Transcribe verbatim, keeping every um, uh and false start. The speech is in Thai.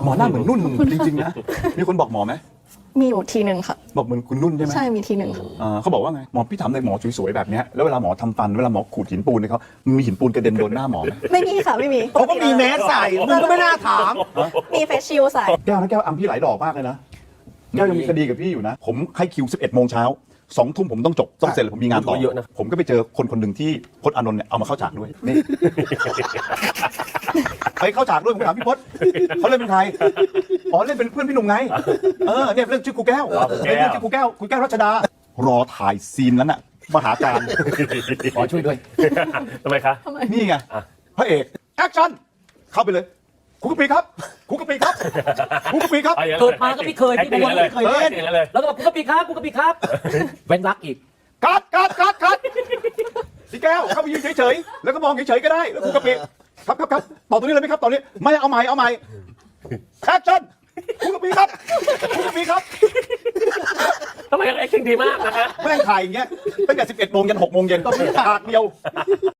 หมอหน้าเหมือนนุ่นจริงๆนะมีคนบอกหมอไหมมีอยู่ทีหนึ่งค่ะบอกเหมือนคุณนุ่นใช่ไหมใช่มีทีหนึ่งค่ะเขาบอกว่าไงหมอพี่ถามเลยหมอสวยๆแบบนี้แล้วเวลาหมอทำฟันเวลาหมอขูดหินปูนเนี่ยเขามีหินปูนกระเด็นโดนหน้าหมอไหมไม่มีค่ะไม่มีเขาก็มีแมสใส่มึงก็ไม่น่าถามมีเฟซชิลใส่แก้วนะแก้วอัมพี่หลายดอกมากเลยนะแก้วยังมีคดีกับพี่อยู่นะผมให้คิวสิบเอ็ดโมงเช้าสองทุ่มผมต้องจบต้องเสร็จเลยผมมีงานต่อเยอะนะผมก็ไปเจอคนคนหนึ่งที่พจน์อานนท์เนี่ยเอามาเข้าฉากด้วยนี่ไปเข้าฉากด้วยผมถามพี่พจน์เขาเล่นเป็นใครอ๋อเล่นเป็นเพื่อนพี่หนุ่มไงเออเนี่ยเล่นชื่อครูแก้วเล่นชื่อครูแก้วครูแก้วรัชดารอถ่ายซีนนั้นน่ะมหาการขอช่วยด้วยทำไมคะนี่ไงพระเอกแอคชั่นเข้าไปเลยครูกะปีครับครูกะปีครับครูกะปีครับเกิดมาก็ไม่เคยพี่บอลไม่เคยเล่นแล้วก็บอกกูกะปีครับกูกะปีครับเว้นรักอีกกัดกัดกัดกัดพี่แก้วเข้าไปยืนเฉยๆแล้วก็มองเฉยๆก็ได้แล้วครูกะปีครับครับครับต่อตรงนี้เลยไหมครับตอนนี้ไม่เอาใหม่เอาใหม่แอคชั่นครูกะปีครับครูกะปีครับทำไมแอคชั่นดีมากนะฮะแม่งถ่ายอย่างเงี้ยตั้งแต่สิบเอ็ดโมงยันหกโมงเย็นต้องมีฉากเดียว